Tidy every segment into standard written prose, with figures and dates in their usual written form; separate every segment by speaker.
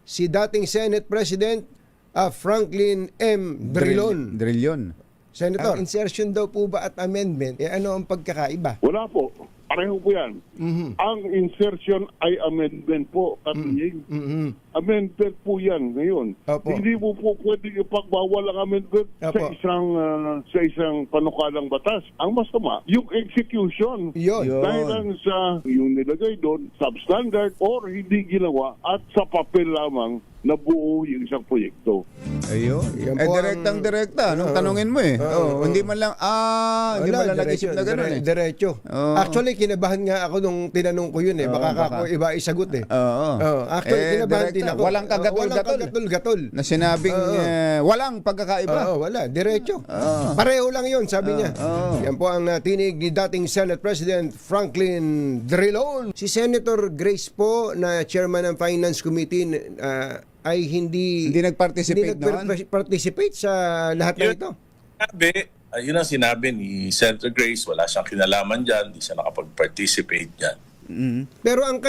Speaker 1: si dating Senate President Franklin M. Drilon.
Speaker 2: Drilon.
Speaker 1: Senator, insertion daw po ba at amendment, ano ang pagkakaiba?
Speaker 3: Wala po. Pareho po yan. Ang insertion ay amendment po, Kapiying. Amendment po yan ngayon.
Speaker 1: Opo.
Speaker 3: Hindi mo po pwedeng ipagbawal ang amendment
Speaker 1: Opo.
Speaker 3: sa isang panukalang batas. Ang mas tama, yung execution.
Speaker 1: Yun.
Speaker 3: Dahil lang sa yung nilagay doon, substandard or hindi ginawa at sa papel lamang nabuo yung isang proyekto.
Speaker 2: Ayun.
Speaker 1: Yan po
Speaker 2: Direktang-direkta. Tanungin mo eh. Hindi man lang, hindi man lang nag-isip na gano'n eh.
Speaker 1: Diretso. Actually, kinabahan nga ako nung tinanong ko yun eh. Baka ako iba isagot eh. Actually, kinabahan din ako.
Speaker 2: Walang
Speaker 1: kagatol-gatol.
Speaker 2: Na sinabing walang pagkakaiba.
Speaker 1: Wala. Diretso. Pareho lang yun, sabi niya. Yan po ang tinig ni dating Senate President Franklin Drilon. Si Senator Grace po, na chairman ng Finance Committee, ay hindi nag-participate sa lahat ng ito.
Speaker 4: Yun ang sinabi ni Senator Grace, wala siyang kinalaman dyan, hindi siya nakapag-participate dyan.
Speaker 1: Pero ang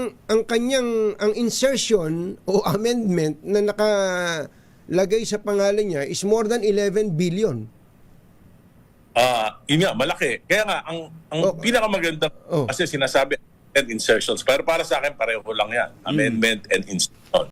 Speaker 1: insertion o amendment na nakalagay sa pangalan niya is more than 11 billion.
Speaker 4: Yun nga, malaki. Kaya nga, ang pinakamaganda kasi sinasabi and insertions. Pero para sa akin, pareho lang yan. Amendment and insertion.